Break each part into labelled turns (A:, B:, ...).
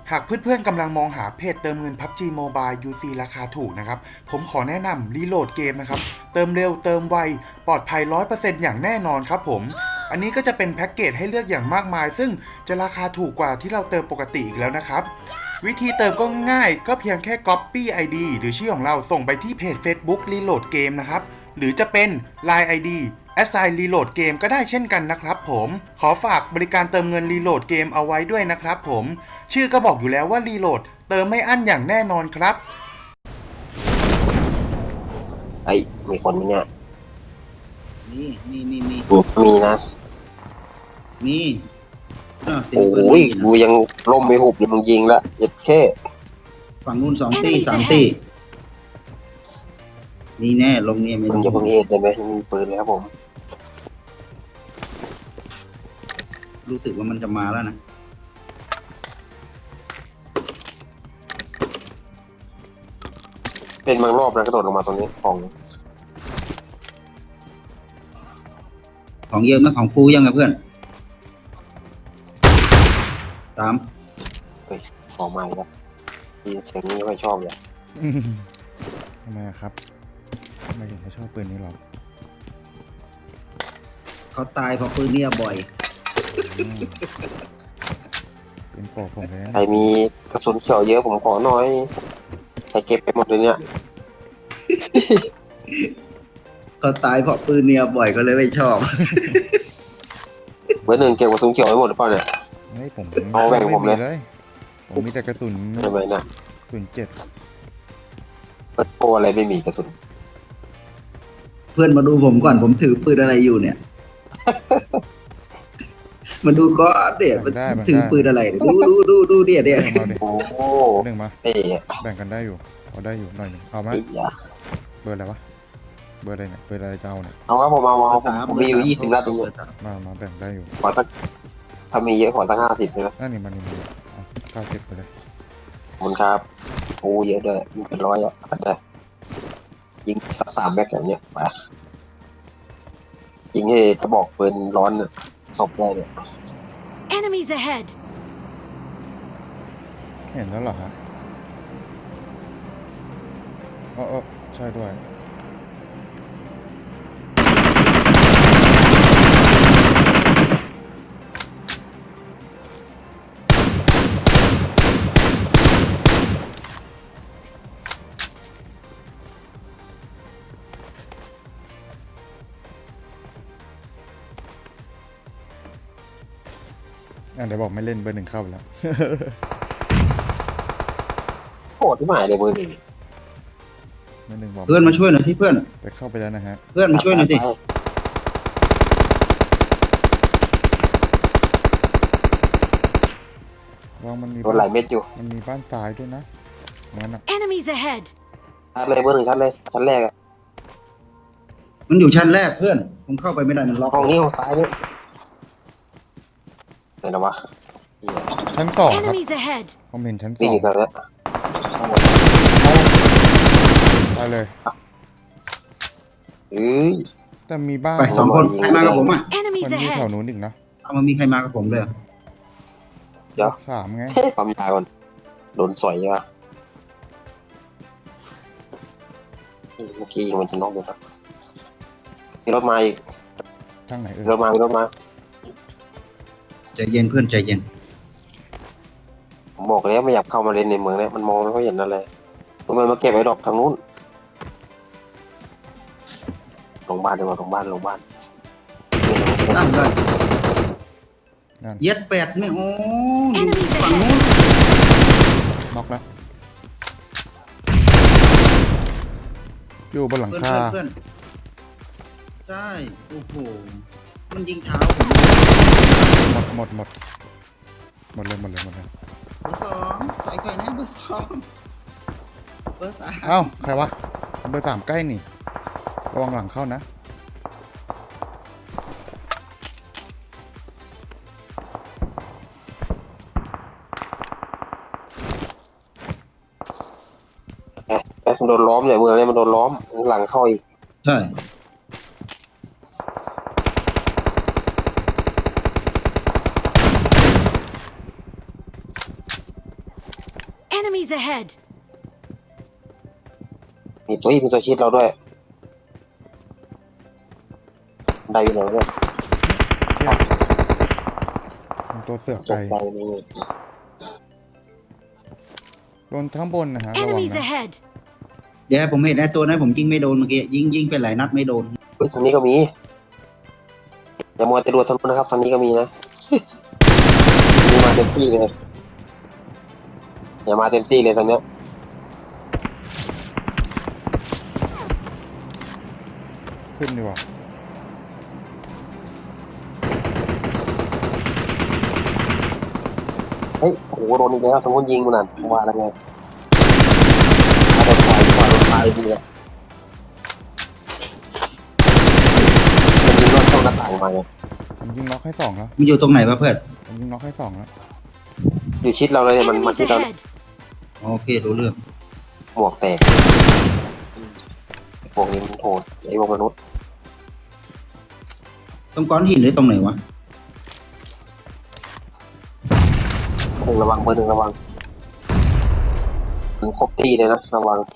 A: หากเพื่อนๆกำลังมองหาเพจเติมเงิน PUBG Mobile UC ราคาถูกนะครับผมขอแนะนำรีโหลดเกมนะครับเติมเร็วเติมไวปลอดภัย 100% อย่างแน่นอนครับผมอันนี้ก็จะเป็นแพ็กเกจให้เลือกอย่างมากมายซึ่งจะราคาถูกกว่าที่เราเติมปกติอีกแล้วนะครับวิธีเติมก็ง่ายๆก็เพียงแค่ Copy ID หรือชื่อของเราส่งไปที่เพจ Facebook Reload Game นะครับหรือจะเป็น Line ID Assign Reload Game ก็ได้เช่นกันนะครับผมขอฝากบริการเติมเงิน Reload Game เอาไว้ด้วยนะครับผมชื่อก็บอกอยู่แล้วว่า Reload เติมไม่อั้นอย่างแน่นอนครับ
B: ไอ้มีคนเนี่ย
C: มี
B: นะ
C: มีเสียง
B: โอ้
C: ปืน
B: ย
C: ได้ยิน
B: กูยังล่มไม่หุบเลยมึงยิงละเย็ดแค่
C: ฝั่งนู้น2 ตี
D: Enemies
C: 3 ตี
D: ahead
C: นี่แน่ลงเนี่ยไม่
B: มึ
C: ต้อง
B: อย่าเพิ่งเอ็ดได้ไหมมีปืนเลยครับผม
C: รู้สึกว่ามันจะมาแล้วนะ
B: เป็นบางรอบนะกระโดดลงมาตรงนี้ของ
C: ของเยอะไหมของฟูยังไงเพื่อน3
B: ของใหม่ครับที่เสียงนี้ไม่ชอบเลย
A: ทำไมครับทำไมถึงไม่ชอบปืนนี้หรอ
C: เขาตายเพราะปืนเนี่ยบ่อย
A: เป็นปอกผมเลย
B: ใครมีกระสุนเขียวเยอะผมขอหน่อยใครเก็บไปหมดเลยเนี่ย
C: เขาตายเพราะปืนเนี่ยบ่อยก็เลยไม่ชอบ
B: เบอร์หนึ่งเก็บกระสุนเขียวไว้หมดหรือเปล่าเนี่ย
A: ไม่ผม
B: เอาแบ่งผมเลย
A: ผมมีแต่กระสุน
B: ใช่ไหมนะ
A: กระสุน7
B: เปิดโปรอะไรไม่มีกระสุน
C: เพื่อนมาดูผมก่อนผมถือปืนอะไรอยู่เนี่ย มาดูก็เดี๋ยวมันถือปืนอะไรดูเดี๋ยว
A: เรื่องมาดิ
B: โอ้โห
A: หนึ่งมา
B: เอ๊ะ
A: แบ่งกันได้อยู่เอาได้อยู่หน่อยหนึงเอามา
B: ไอ้ยา
A: เบอร์อะไรวะเบอร์อะไรเนี่ยเบอร์อะไรจะเอาเนี่ย
B: เอาครับผมเอาผมมีอยู่20นัดตรงนี้
A: มาแบ่งได้อยู่
B: ขอสักถ้ามีเยอะขอสัก50เลยนะ
A: นั่นนี่มันเอา90ไปเลย
B: ขอบคุณครับโอ้เยอะด้วยมีเป็นร้อยอ่ะได้ยิงสัก3 แม็กอย่างเนี้ยไปยิงให้กระบอกปืนร้อนเนี่ยตบได้เนี่ย
D: Enemies ahead
A: เห็นแล้วเหรอฮะใช่ด้วยเดี๋ยวบอกไม่เล่นเบอร์หนึ่งเข้าไปแล้ว
B: โหดที่หมายเลยมือหนึ่ง
A: เบอร์หนึ่งบอก
C: เพื่อนมาช่วยหน่อยสิเพื่อน
A: แต่เข้าไปแล้วนะฮะ
C: เพื่อนมาช่วยหน่อยสิ
A: วางมันมี
B: โดนหลายเม็ดอยู่
A: มันมีบ้านซ้ายด้วยนะงั้นอ่ะ
D: Enemies ahead
B: ชัดเลยเบอร์หนึ่งชัดเลยชั้นแรกอะ
C: มันอยู่ชั้นแรกเพื่อนผมเข้าไปไม่ได้มันล็อก
B: ห้องนี้ห้องซ้ายนี่ไหนนะวะ
A: ชั้น2ครับ
D: Enemies ahead
A: ผมเห็นชั้น
B: นี่อยู่ตรงนี้
A: 2ไปเลย
B: เอ้ย
A: แต่มีบ้าน
C: ไป2 คนใครมากับผมอ่ะ
A: มัน
D: Enemies
A: มีแถว
D: ahead
A: นู้นอีกนะ
C: เอามันมีใครมากับผมเลยเหรอ
B: เดี๋ยว
A: 3ไง
B: ความยาวก่อนโดนสอยอ่ะเมื่อกี้มันจะน็อกเลยครับมีรถมาอีก
A: ทางไหน
B: มีรถมา
C: ใจเย็นเพื่อนใจเย็น
B: ผมบอกแล้วไม่อยากเข้ามาเล่นในเมืองเนี่ยมันมองไม่ค่อยเห็นอะไรมันมาเก็บไอ้ดอกทางนู้นลงบ้านดีกว่าลงบ้าน
C: ตั้งได้
A: นั่น
C: เย็ด8นี่โอ้อยู่
D: Enemies
C: ฝั่งนู้น
D: ahead
A: น็อกแล้วอยู่บนหลัง
C: เพื่อน
A: คา
C: เพื่อนใช่โอ้โหมันยิงเท้าผม
A: หมดเลย
C: เบอร์ 2ใส่ไข่นะเบอร์ 2เบอร์ 3
A: เอ้าใครวะเบอร์3ใกล้นี่ระวังหลังเข้านะ
B: มันโดนล้อมเนี่ยเมืองเนี่ยมันโดนล้อมหลังเข้าอีก
C: ใช่
D: ahead!
B: มีตัวชิดเราด้วยได้อยู่ไหนเนี่ย
A: มันตัวเสือก
B: ต
A: ไก่
B: กใจนี่
A: โดนข้างบนนะฮะระวัง
D: Enemies
A: นะ
D: ahead!
C: เดี๋ยวผมเห็นไอ้ตัวนั้นผมยิงไม่โดนเมื่อกี้ยิงไปหลายนัดไม่โดน
B: เฮ้ยทางนี้ก็มีอย่ามัวแต่ดูทางนู้นนะครับทางนี้ก็มีนะมีมาเต็มที่เลยอย่ามาเต็มที่เลยทางเนี้ย
A: ขึ้นดีกว่า
B: เฮ้ยโอ้โหโดนอีกแล้วทางนู้นยิงมันนั่นว่าแล้วไงโดนไฟดีเลยมันยิงรอดช่องหน้าต่างมาไง
A: ผมยิงน็อกให้สองแล้ว
C: มันอยู่ตรงไหนวะเพื่อน
A: ผมยิงน็อกให้สองแล้ว
B: อยู่ชิดเราเลยเนี่ยมัน
D: Enemies
B: ชิดเรา
D: ahead!
C: โอเครู้เรื่อง
B: หมวกแตกพวกนี้มันโหดไอ้พวกมนุษย์
C: ตรงก้อนหินหรือตรงไหนวะ
B: ระวังเบอร์หนึ่งระวังถึงครบตีเลยนะระวัง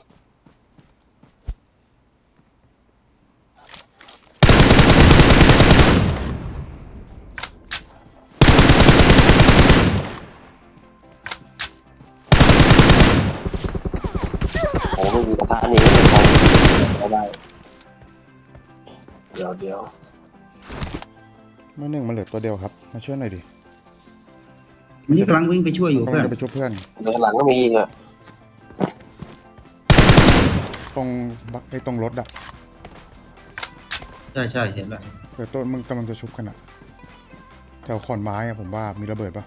B: โอ้ไม่มีกระทะนี่ไม่ได้เดี๋ยว
A: เมื่อหนึ่งมันเหลือตัวเดียวครับมาช่วยหน่อยดิ
C: นี่กำลังวิ่งไปช่วยอยู่
A: กำ
C: เพื่
A: ลั
C: อง น
A: จะไปช่วยเพื่อน
B: เดี๋ยวหลังก็มีอีกอ่ะ
A: ตรงบักไอ้ตรงรถอะ
C: ใช่เห็นแล้ว
A: เดี๋ยวต้นมึงกำลังจะชุบกันอะแถวขอนไม้อะผมว่ามีระเบิดปะ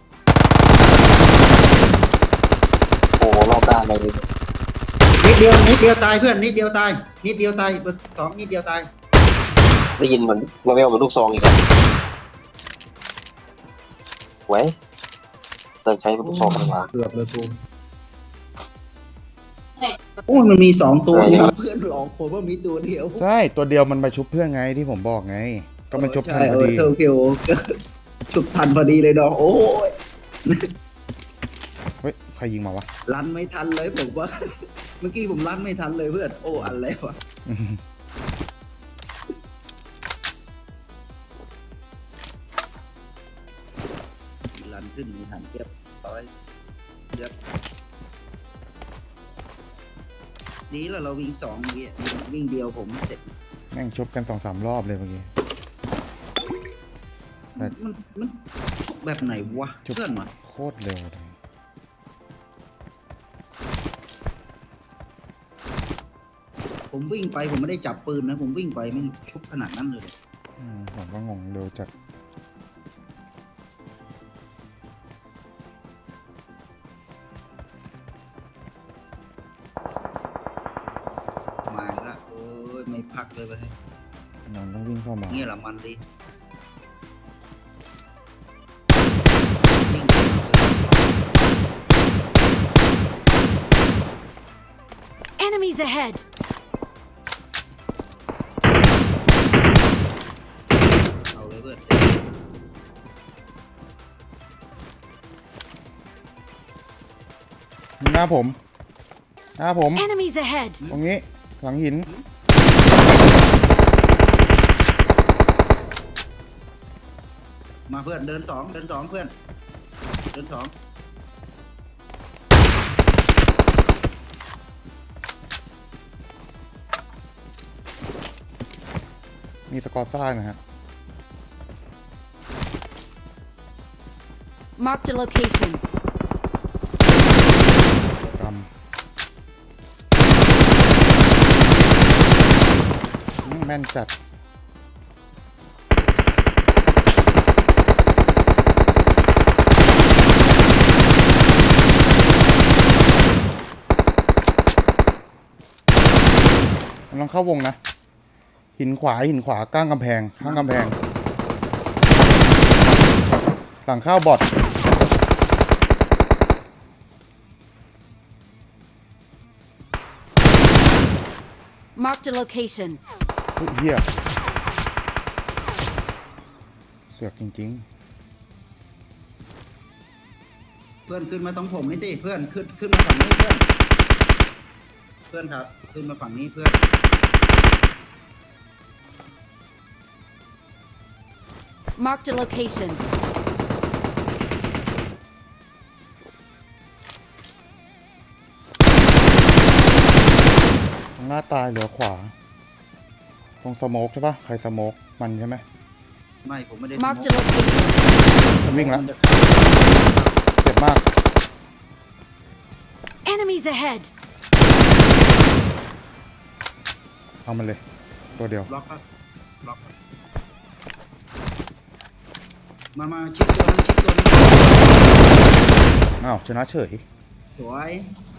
B: โอ้รอบด้านเลย
C: นิดเดียวตายเพื่อนนิดเดียวตายเบอร์สองนิดเดียวตาย
B: ได้ยินเหมือนเวลเหมือนลูกซองอีกอ่ะไว้เลิกใช้ลูกซองดีกว่า
C: เกือบเลยกูโอ้ยมันมี2 ตัวเนี่ยเพื่อนหลอกผมว่ามีตัวเดียว
A: ใช่ตัวเดียวมันไปชุบเพื่อนไงที่ผมบอกไง ก็มันชุบทันพอดี
C: โอเคชุบทันพอดีเลยน้องโอ้ย
A: เฮ้ยใครยิงมาวะ
C: รันไม่ทันเลยผมว่า เมื่อกี้ผมรันไม่ทันเลยเพื่อนโอ้อะไรวะรันขึ้นมีทันเทียบร้อยเยอะดีแล้วเราวิ่ง2เมื่อกี้วิ่งเดียวผมเสร็จ
A: แม่งชุบกัน2-3 รอบเลยเมื่อกี้
C: มันแบบไหนวะ
A: ชุบ
C: เพื่อนวะ
A: โคตรเร็วเลย
C: ผมวิ่งไปผมไม่ได้จับปืนนะผมวิ่งไปไม่ชุบขนาดนั้นเลย
A: ผมก็งงเร็วจัด
C: มาละโอ้ยไม่พักเลยไป
A: นอนต้องวิ่งเข้ามา
C: เงี้ยละมันดิ
D: Enemies ahead!
C: เอาเลยเพื่อน
A: หน้าผมหน้าผม
D: Enemies ahead!
A: ตรงนี้หลังหิน
C: มาเพื่อนเดินสองเพื่อนเดิน 2
A: มีสกอร์ซ่านะฮะ
D: Marked a location.
A: กำแม่นจัดกำลังเข้าวงนะ หินขวาก้างกำแพงข้างกำแพงหลังเข้าบอท
D: Marked a location.
A: เฮ้ยเฮียเสือกจริง
C: เพื่พื่อนขึ้นมาตรงผมนี่สิเพื่อนขึ้นมาฝั่งนี้เพื่อนเพื่อนครับขึ้นมาฝั่งนี้เพื่อน
D: Marked a location.
A: ตรงหน้าตายเหลือขวา ตรงสโมกใช่ปะใครสโมกมันใช่ไหม
C: ไม่ผมไม่ได้
D: Marked a location.
A: มันวิ่งแล้ว
C: มันจะ
A: เจ็บมาก
D: Enemies ahead.
A: เอามันเลย ตัวเดียว
C: ล็อกครับล็อกครับมาชิดตัวนึง
A: อ้าวชนะเฉย
C: สวย